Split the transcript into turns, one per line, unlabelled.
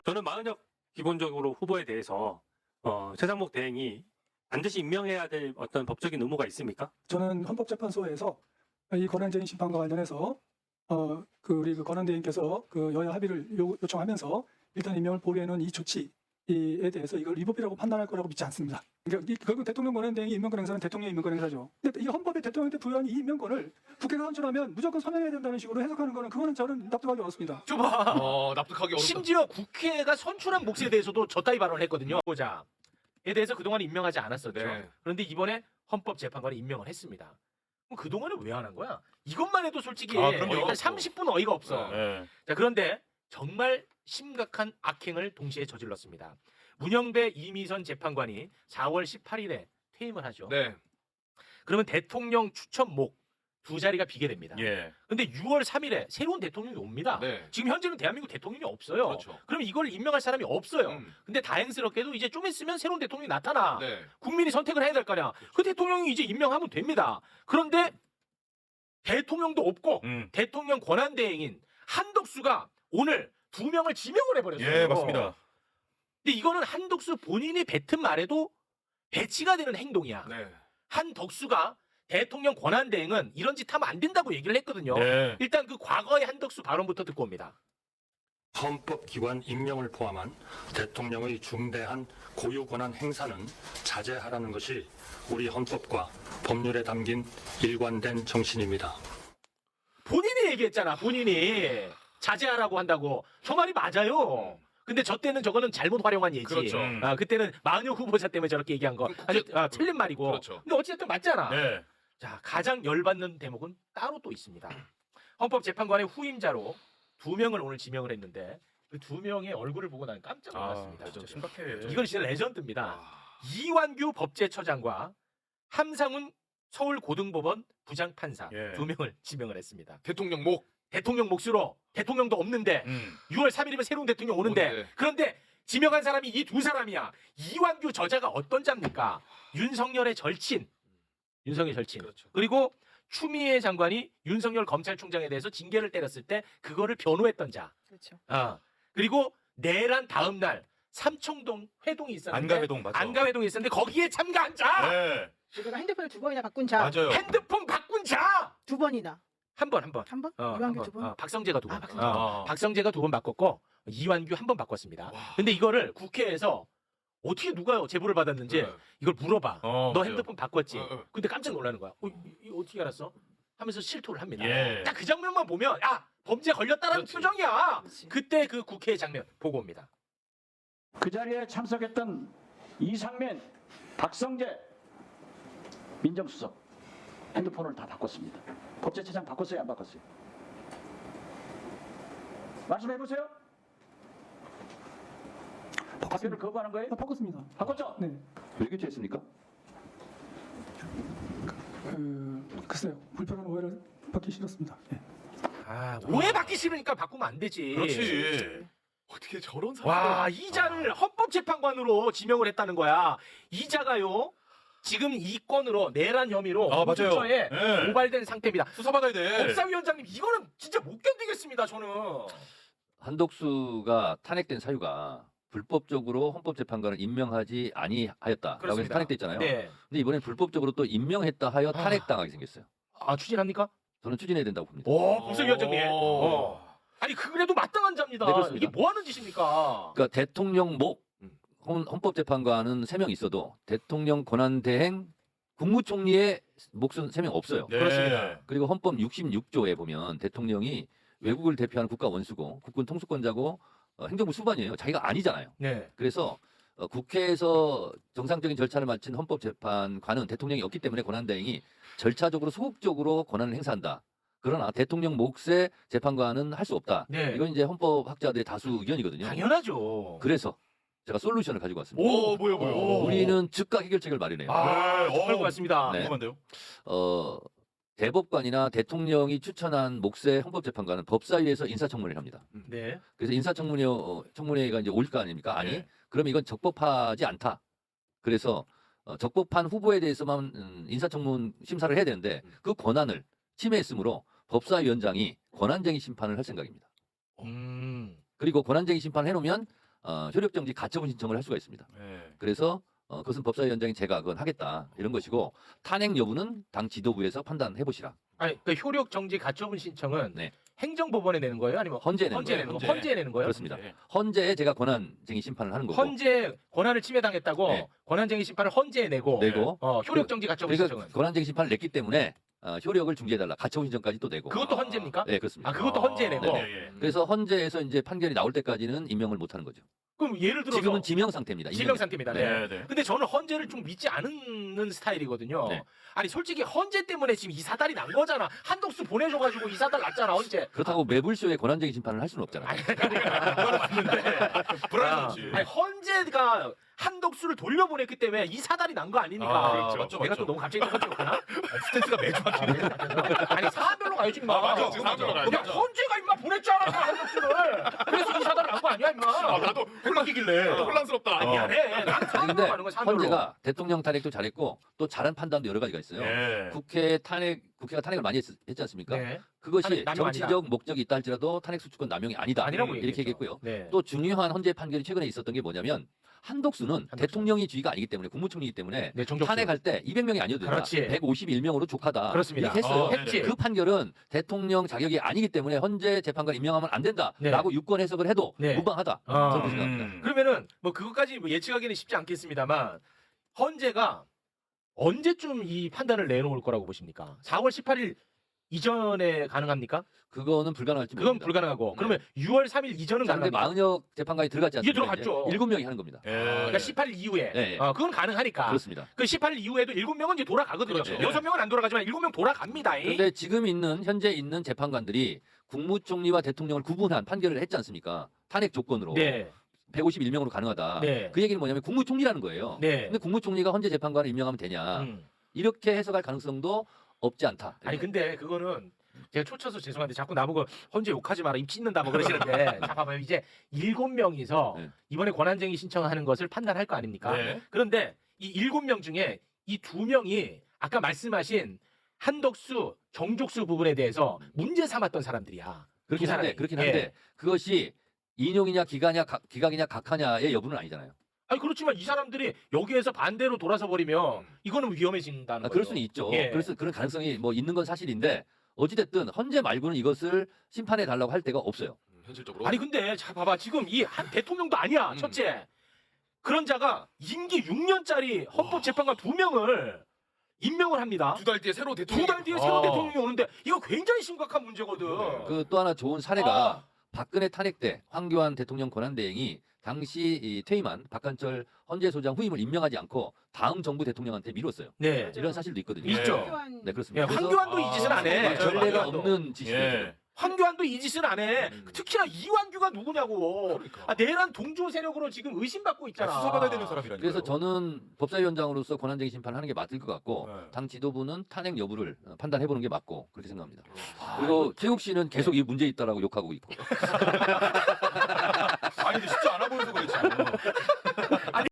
저는 마은혁 기본적으로 후보에 대해서 최상목 대행이 반드시 임명해야 될 어떤 법적인 의무가 있습니까?
저는 헌법재판소에서 이 권한쟁의 심판과 관련해서 우리 권한대행께서 여야 합의를 요청하면서 일단 임명을 보류해놓은 이 조치에 대해서 이걸 위법이라고 판단할 거라고 믿지 않습니다. 그러니까 결국 대통령 권한대행이 임명권 행사는 대통령의 임명권 행사죠. 근데 이 헌법에 대통령한테 부여한 이 임명권을 국회가 선출하면 무조건 서명해야 된다는 식으로 해석하는 거는 그거는 저는 납득하기 어렵습니다.
줘봐.
납득하기 어렵다.
심지어 국회가 선출한 몫에 대해서도 저따위 발언을 했거든요. 보자에 대해서 그동안 임명하지 않았었죠.
네.
그런데 이번에 헌법재판관이 임명을 했습니다. 그럼 그동안은 왜 안 한 거야? 이것만 해도 솔직히
그럼요.
한 30분 어이가 없어.
네.
자, 그런데 정말 심각한 악행을 동시에 저질렀습니다. 문영배 이미선 재판관이 4월 18일에 퇴임을 하죠.
네.
그러면 대통령 추천목 두 자리가 비게 됩니다.
예.
근데 6월 3일에 새로운 대통령이 옵니다.
네.
지금 현재는 대한민국 대통령이 없어요.
그렇죠.
그럼 이걸 임명할 사람이 없어요.
음.
근데 다행스럽게도 이제 좀 있으면 새로운 대통령이 나타나.
네.
국민이 선택을 해야 될 거냐. 그 대통령이 이제 임명하면 됩니다. 그런데 대통령도 없고 대통령 권한대행인 한덕수가 오늘 2명을 지명을 해버렸어요.
예, 맞습니다.
근데 이거는 한덕수 본인이 뱉은 말에도 배치가 되는 행동이야.
네.
한덕수가 대통령 권한대행은 이런 짓 하면 안 된다고 얘기를 했거든요.
네.
일단 그 과거의 한덕수 발언부터 듣고 옵니다.
헌법기관 임명을 포함한 대통령의 중대한 고유 권한 행사는 자제하라는 것이 우리 헌법과 법률에 담긴 일관된 정신입니다.
본인이 얘기했잖아. 본인이 자제하라고 한다고. 저 말이 맞아요. 근데 저 때는 저거는 잘못 활용한 예지.
그렇죠.
그때는 마은혁 후보자 때문에 저렇게 얘기한 거 아주 틀린 말이고.
그렇죠.
근데 어쨌든 맞잖아.
네.
자, 가장 열받는 대목은 따로 또 있습니다. 헌법재판관의 후임자로 2명을 오늘 지명을 했는데 그 2명의 얼굴을 보고 나는 깜짝 놀랐습니다.
진짜 심각해.
이건 진짜 레전드입니다. 이완규 법제처장과 함상훈 서울고등법원 부장판사
예.
2명을 지명을 했습니다.
대통령 목.
대통령 몫으로 대통령도 없는데 6월 3일이면 새로운 대통령 오는데 그런데 지명한 사람이 이 두 사람이야. 이완규 저자가 어떤 자입니까? 윤석열의 절친. 윤석열 절친.
그렇죠.
그리고 추미애 장관이 윤석열 검찰총장에 대해서 징계를 때렸을 때 그거를 변호했던 자.
그렇죠.
그리고 내란 다음 날 삼청동 회동이 있었는데
안가회동 맞죠?
안가회동이 있었는데 거기에 참가한 자.
네.
내가 핸드폰을 2번이나 바꾼 자.
맞아요.
핸드폰 바꾼 자.
2번이나.
한 번.
한 번?
한
이완규
번.
2번?
박성재가 2번.
박성재.
박성재가 2번 바꿨고 이완규 1번 바꿨습니다. 근데 이거를 국회에서 어떻게 누가 제보를 받았는지
네.
이걸 물어봐. 너
맞아요.
핸드폰 바꿨지?
어.
근데 깜짝 놀라는 거야. 이거 어떻게 알았어? 하면서 실토를 합니다.
예.
딱 그 장면만 보면 범죄 걸렸다라는
그렇지.
표정이야.
그렇지.
그때 그 국회 장면 보고 옵니다.
그 자리에 참석했던 이상민, 박성재 민정수석 핸드폰을 다 바꿨습니다. 법제처장 바꿨어요, 안 바꿨어요? 말씀해 보세요. 학교를 거부하는 거예요?
바꿨습니다.
바꿨죠?
네.
왜 교체했습니까?
글쎄요. 불편한 오해를 받기 싫었습니다. 예.
오해 받기 싫으니까 바꾸면 안 되지.
그렇지. 어떻게 저런 사람?
와, 이자를 헌법재판관으로 지명을 했다는 거야. 이자가요. 지금 이 건으로 내란 혐의로
맞아요.
공수처에
네.
고발된 상태입니다.
수사받아야 돼.
법사위원장님 이거는 진짜 못 견디겠습니다. 저는.
한덕수가 탄핵된 사유가 불법적으로 헌법재판관을 임명하지 아니하였다라고 해서
그렇습니다.
탄핵됐잖아요.
네.
근데 이번엔 불법적으로 또 임명했다 하여 탄핵당하게 생겼어요.
추진합니까?
저는 추진해야 된다고 봅니다.
오, 법사위원장님.
오.
아니 그래도 마땅한 자입니다.
네, 그렇습니다.
이게 뭐 하는 짓입니까?
그러니까 대통령 목 헌법재판관은 3명 있어도 대통령 권한대행 국무총리의 몫은 3명 없어요.
네.
그렇습니다.
그리고 헌법 66조에 보면 대통령이 외국을 대표하는 국가 원수고 국군 통수권자고 행정부 수반이에요. 자기가 아니잖아요.
네.
그래서 국회에서 정상적인 절차를 마친 헌법재판관은 대통령이 없기 때문에 권한대행이 절차적으로 소극적으로 권한을 행사한다. 그러나 대통령 몫의 재판관은 할 수 없다.
네.
이건 이제 헌법학자들의 다수 의견이거든요.
당연하죠.
그래서 제가 솔루션을 가지고 왔습니다.
오, 뭐요?
우리는 즉각 해결책을 마련해요.
그럴 것 같습니다.
네.
궁금한데요?
대법관이나 대통령이 추천한 몫의 헌법재판관은 법사위에서 인사청문회를 합니다.
네.
그래서 인사청문회가 이제 올 거 아닙니까? 아니,
네.
그러면 이건 적법하지 않다. 그래서 적법한 후보에 대해서만 인사청문 심사를 해야 되는데 그 권한을 침해했으므로 법사위원장이 권한쟁의 심판을 할 생각입니다. 그리고 권한쟁의 심판을 해놓으면 효력정지 가처분 신청을 할 수가 있습니다.
네.
그래서 그것은 법사위원장이 제가 그건 하겠다 이런 것이고 탄핵 여부는 당 지도부에서 판단해 보시라.
아니 그 효력 정지 가처분 신청은
네.
행정법원에 내는 거예요? 아니면
헌재 내는
헌재
거예요.
내는 거?
헌재.
헌재 내는 거예요?
그렇습니다.
네.
헌재에 제가 권한쟁의 심판을 하는 거고.
헌재 권한을 침해당했다고
네.
권한쟁의 심판을 헌재에 내고
내고
효력 정지 가처분
그러니까
신청은
권한쟁의 심판을 냈기 때문에 효력을 중지해달라. 가처분 신청까지 또 내고.
그것도 헌재입니까?
네 그렇습니다.
아 그것도 헌재에 내고.
네,
예, 예.
그래서 헌재에서 이제 판결이 나올 때까지는 임명을 못 하는 거죠.
그럼 예를 들어서
지금은 지명 상태입니다.
지명 상태입니다. 네.
네, 네.
근데 저는 헌재를 좀 믿지 않는 스타일이거든요.
네.
아니 솔직히 헌재 때문에 지금 이 사달이 난 거잖아. 한독수 보내줘가지고 이 사달 났잖아 헌재.
그렇다고 매불쇼에 권한쟁의 심판을 할 수는 없잖아요.
아니 그건 맞는데.
불안하지.
아니 헌재가 한독수를 돌려보냈기 때문에 이 사달이 난 거 아니니까.
아, 그렇죠. 맞죠,
내가
맞죠.
또 너무 갑자기 똑같구나.
스탠스가 매주 바뀌네.
아니 사안별로 가야지 임마.
아, 맞아. 지금 사안별로 가야지.
야 헌재가 임마 보냈잖아 한독수를. 그래서 이 사달 난 거 아니야 임마.
아, 나도
헷갈리길래.
혼란스럽다.
아니, 미안해. 난
아니
사안별로
근데
가는 거야 사안별로.
헌재가 대통령 탄핵도 잘했고 또 잘한 판단도 여러 가지가 있어요.
예.
국회가 탄핵을 많이 했지 않습니까?
네.
그것이
탄핵 남용 아니다.
정치적 목적이 있다 할지라도 탄핵 수주권 남용이 아니다.
아니라고
이렇게
얘기했죠.
얘기했고요.
네.
또 중요한 헌재 판결이 최근에 있었던 게 뭐냐면 한독수는 대통령이 주의가 아니기 때문에 국무총리이기 때문에
네, 정적수.
탄핵할 때 200명이 아니어도 된다.
그렇지.
151명으로 족하다.
그렇습니다.
이렇게 했어요.
했지.
그 판결은 대통령 자격이 아니기 때문에 헌재 재판관 임명하면 안 된다라고 유권 해석을 해도
네.
무방하다.
아.
저는 그렇게 생각합니다.
그러면은 뭐 그것까지 뭐 예측하기는 쉽지 않겠습니다만 헌재가 언제쯤 이 판단을 내놓을 거라고 보십니까? 4월 18일 이전에 가능합니까?
그거는 불가능할지
그건
모릅니다.
불가능하고 그러면 6월 3일 이전은
그런데
가능합니까?
40여 재판관이 들어갔지
이게
않습니까?
들어갔죠.
7명이 하는 겁니다.
예.
그러니까 18일 이후에
네.
그건 가능하니까
그렇습니다.
그 18일 이후에도 7명은 이제 돌아가거든요.
그렇죠.
6명은 안 돌아가지만 7명 돌아갑니다.
그런데 지금 현재 있는 재판관들이 국무총리와 대통령을 구분한 판결을 했지 않습니까? 탄핵 조건으로.
네.
151명으로 가능하다.
네.
그 얘기는 뭐냐면 국무총리라는 거예요.
네.
근데 국무총리가 헌재 재판관을 임명하면 되냐.
음.
이렇게 해석할 가능성도 없지 않다.
아니 근데 그거는 제가 초쳐서 죄송한데 자꾸 나보고 헌재 욕하지 마라 입 찢는다 뭐 그러시는데 자 봐봐요 이제 7명이서
네.
이번에 권한쟁의 신청하는 것을 판단할 거 아닙니까?
네.
그런데 이 7명 중에 이 2명이 아까 말씀하신 한덕수, 정족수 부분에 대해서 문제 삼았던 사람들이야.
그렇긴
두
한데,
사람이.
그렇긴 한데
예.
그것이 인용이냐 기각이냐 각하냐의 여부는 아니잖아요.
아니 그렇지만 이 사람들이 여기에서 반대로 돌아서 버리면 이거는 위험해진다는 거죠.
그럴 수는 있죠.
예.
그래서 그런 가능성이 뭐 있는 건 사실인데 어찌됐든 헌재 말고는 이것을 심판해 달라고 할 데가 없어요.
현실적으로.
아니 근데 자 봐봐 지금 이 한 대통령도 아니야 첫째 그런 자가 임기 6년짜리 헌법재판관 2명을 임명을 합니다.
2달 뒤에 새로 대통령.
2달 뒤에 새로운 대통령이 오는데 이거 굉장히 심각한 문제거든.
그 또 하나 좋은 사례가 박근혜 탄핵 때 황교안 대통령 권한대행이 당시 이 퇴임한 박한철 헌재소장 후임을 임명하지 않고 다음 정부 대통령한테 미뤘어요.
네.
이런 사실도 있거든요.
있죠.
네
예,
그렇습니다. 그래서
황교안도 이 짓은 안 해.
맞아요.
전례가
황교안도.
없는 짓이죠.
예.
황교안도 이 짓은 안 해. 특히나 이완규가 누구냐고.
그러니까.
아, 내란 동조 세력으로 지금 의심받고 있잖아.
수사받아야 되는 사람이라니까.
그래서 저는 법사위원장으로서 권한쟁의 심판을 하는 게 맞을 것 같고
네.
당 지도부는 탄핵 여부를 판단해보는 게 맞고 그렇게 생각합니다.
아,
그리고 최욱 씨는 계속 이 문제 있다라고 욕하고 있고.
아니 근데 쉽지 않아 보여서 그렇지.